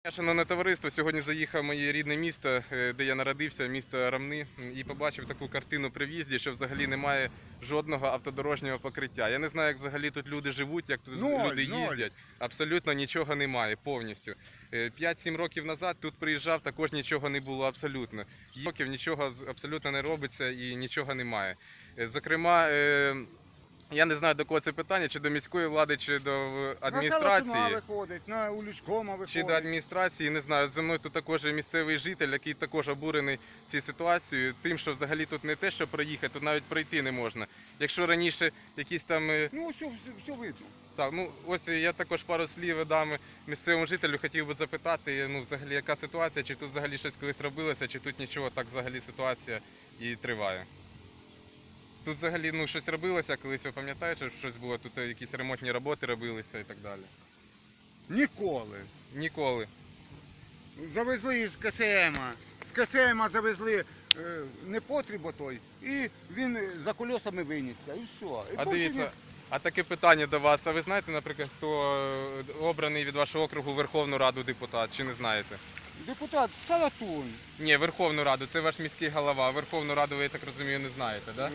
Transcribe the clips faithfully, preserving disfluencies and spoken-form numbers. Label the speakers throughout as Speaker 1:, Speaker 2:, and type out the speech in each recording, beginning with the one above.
Speaker 1: Шановне товариство, сьогодні заїхав в моє рідне місто, де я народився, місто Ромни, і побачив таку картину при в'їзді, що взагалі немає жодного автодорожнього покриття. Я не знаю, як взагалі тут люди живуть, як тут
Speaker 2: Ноль,
Speaker 1: люди
Speaker 2: ноль.
Speaker 1: їздять. Абсолютно нічого немає, повністю. п'ять-сім років назад тут приїжджав, також нічого не було абсолютно. Років нічого абсолютно не робиться і нічого немає. Зокрема, я не знаю, до кого це питання, чи до міської влади, чи до адміністрації.
Speaker 2: На виходить, на улічкома виходить.
Speaker 1: Чи до адміністрації, не знаю. Зі мною тут також місцевий житель, який також обурений цією ситуацією, тим, що взагалі тут не те, що проїхати, тут навіть пройти не можна. Якщо раніше якісь там...
Speaker 2: Ну, все, все, все видно.
Speaker 1: Так, ну ось я також пару слів дам місцевому жителю, хотів би запитати, ну взагалі яка ситуація, чи тут взагалі щось колись робилося, чи тут нічого, так взагалі ситуація і триває. Тут взагалі ну, щось робилося колись, ви пам'ятаєте, що щось було, тут якісь ремонтні роботи робилися і так далі?
Speaker 2: Ніколи.
Speaker 1: Ніколи.
Speaker 2: Завезли з КСМа. З КСМа завезли е, непотріб той, і він за колесами винісся, і все. І
Speaker 1: А
Speaker 2: більше
Speaker 1: дивіться,
Speaker 2: ні-
Speaker 1: а таке питання до вас, а ви знаєте, наприклад, хто обраний від вашого округу в Верховну Раду депутат, чи не знаєте?
Speaker 2: Депутат Салатун.
Speaker 1: Ні, Верховну Раду, це ваш міський голова, Верховну Раду ви, я так розумію, не знаєте, так?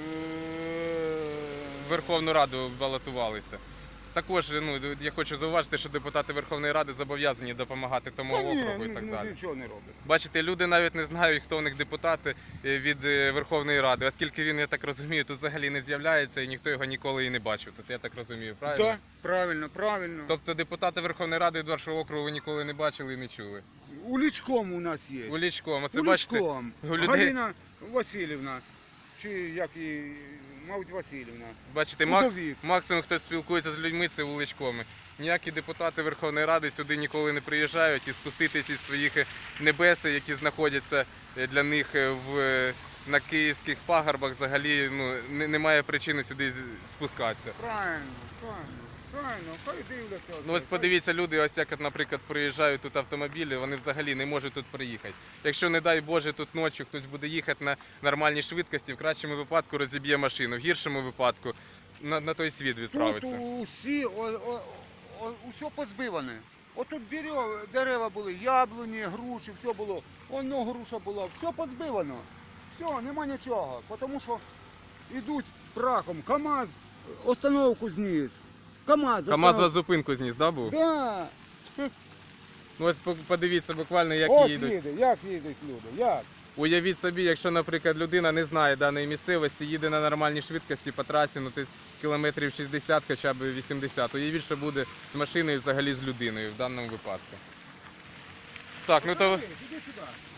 Speaker 1: В Верховну Раду балотувалися. Також ну, я хочу зауважити, що депутати Верховної Ради зобов'язані допомагати тому
Speaker 2: Та ні,
Speaker 1: округу і так
Speaker 2: ні,
Speaker 1: далі.
Speaker 2: нічого не робить.
Speaker 1: Бачите, люди навіть не знають, хто в них депутати від Верховної Ради, оскільки він, я так розумію, тут взагалі не з'являється і ніхто його ніколи і не бачив. Тут я так розумію, правильно?
Speaker 2: Так, правильно, правильно.
Speaker 1: Тобто депутати Верховної Ради від вашого округу ви ніколи не бачили і не чули?
Speaker 2: Улічком у нас є.
Speaker 1: Улічком, оце бачите,
Speaker 2: Улічком.
Speaker 1: у людей...
Speaker 2: Галина Васильівна, чи як її, мабуть, Васильівна.
Speaker 1: Бачите, макс...
Speaker 2: Удовік.
Speaker 1: максимум, хто спілкується з людьми, це вуличками. Ніякі депутати Верховної Ради сюди ніколи не приїжджають і спуститися із своїх небес, які знаходяться для них в... на київських пагорбах, взагалі ну, немає причини сюди спускатися.
Speaker 2: Правильно, правильно, правильно, хай дивляться.
Speaker 1: Ну ось подивіться, люди, ось як, наприклад, приїжджають тут автомобілі, вони взагалі не можуть тут приїхати. Якщо, не дай Боже, тут ночі хтось буде їхати на нормальній швидкості, в кращому випадку розіб'є машину, в гіршому випадку на, на той світ відправиться.
Speaker 2: Тут усі, о, о, о, усе позбиване. Отут дерев, дерева були, яблуні, груші, все було. Воно груша була, все позбивано. Все, нема нічого, тому що йдуть прахом. КАМАЗ остановку зніс. КАМАЗ,
Speaker 1: КАМАЗ вас зупинку зніс, да, був?
Speaker 2: Да.
Speaker 1: Ну ось подивіться буквально, як
Speaker 2: Ось
Speaker 1: їдуть.
Speaker 2: їде, як їдуть люди, як?
Speaker 1: Уявіть собі, якщо, наприклад, людина не знає даної місцевості, їде на нормальній швидкості по трасі, ну, десь кілометрів шістдесят, хоча б вісімдесят. Уявіть, що буде з машиною, взагалі з людиною в даному випадку. Так, ну то...
Speaker 2: Іди сюди.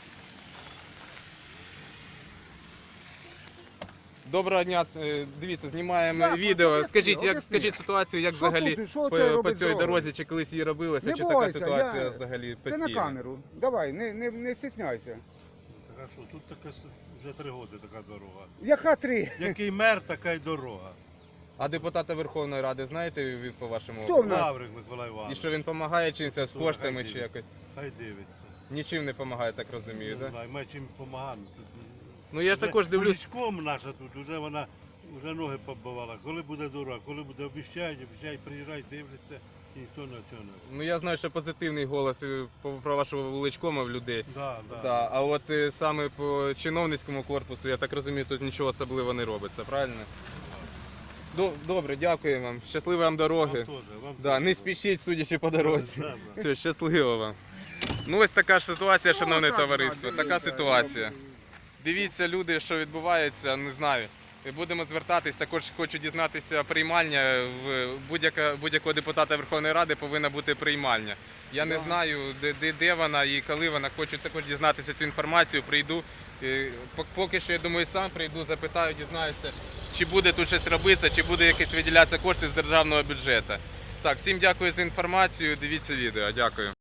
Speaker 1: Доброго дня, Е, дивіться, знімаємо
Speaker 2: Як?
Speaker 1: відео.
Speaker 2: Об'ясни,
Speaker 1: Скажіть, як,
Speaker 2: об'ясни.
Speaker 1: скажіть ситуацію, як
Speaker 2: Що
Speaker 1: взагалі
Speaker 2: тут? Що
Speaker 1: по,
Speaker 2: це
Speaker 1: по
Speaker 2: робить
Speaker 1: цій
Speaker 2: дорога?
Speaker 1: дорозі, чи колись її робилося,
Speaker 2: Не
Speaker 1: чи
Speaker 2: бойся,
Speaker 1: така ситуація
Speaker 2: я-
Speaker 1: взагалі
Speaker 2: Це
Speaker 1: постійна?
Speaker 2: на камеру. Давай, не, не, не стісняйся.
Speaker 3: Так а що, тут така с- вже три роки така дорога.
Speaker 2: Яка три?
Speaker 3: Який мер, така й дорога.
Speaker 1: А депутата Верховної Ради знаєте ви по вашому
Speaker 2: Хто
Speaker 1: округу?
Speaker 2: в нас?
Speaker 3: Лаврик Миколай
Speaker 1: І
Speaker 3: Іванович.
Speaker 1: що він допомагає чимось, з
Speaker 3: То
Speaker 1: коштами
Speaker 3: хай
Speaker 1: чи
Speaker 3: дивиться.
Speaker 1: якось?
Speaker 3: Хай дивиться.
Speaker 1: Нічим не допомагає, так розумію,
Speaker 3: Не
Speaker 1: так?
Speaker 3: знаю, ми чим допомагаємо. Тут,
Speaker 1: Ну я ж
Speaker 3: вже
Speaker 1: також дивлюсь.
Speaker 3: Улічком наша тут, вже вона вже ноги побивала. Коли буде дорога, коли буде обіщають, обіщають, приїжджають, дивляться, і ніхто на чого не.
Speaker 1: Ну я знаю, що позитивний голос е, по- про вашого вуличкома в людей.
Speaker 3: Да, да.
Speaker 1: Да. А от е, саме по чиновницькому корпусу, я так розумію, тут нічого особливого не робиться, правильно? До- Добре, дякую вам. Щасливої вам
Speaker 3: Вам
Speaker 1: дороги.
Speaker 3: теж, вам
Speaker 1: Да,
Speaker 3: теж.
Speaker 1: не спішіть, судячи по дорозі.
Speaker 3: Да, да.
Speaker 1: Все, щасливо вам. Ну ось така ж ситуація, шановне
Speaker 2: Ну, так,
Speaker 1: товариство.
Speaker 2: да,
Speaker 1: Така
Speaker 2: дивіться,
Speaker 1: ситуація. Дивіться, люди, що відбувається, не знаю. Будемо звертатись, також хочу дізнатися приймальня. В будь-яка- будь-якого депутата Верховної Ради повинна бути приймальня. Я не
Speaker 2: Да.
Speaker 1: знаю, де, де, де вона і коли вона. Хочу також дізнатися цю інформацію, прийду. Е, пок- Поки що, я думаю, сам прийду, запитаю, дізнаюся, чи буде тут щось робитися, чи буде якісь виділятися кошти з державного бюджету. Так, всім дякую за інформацію, дивіться відео, дякую.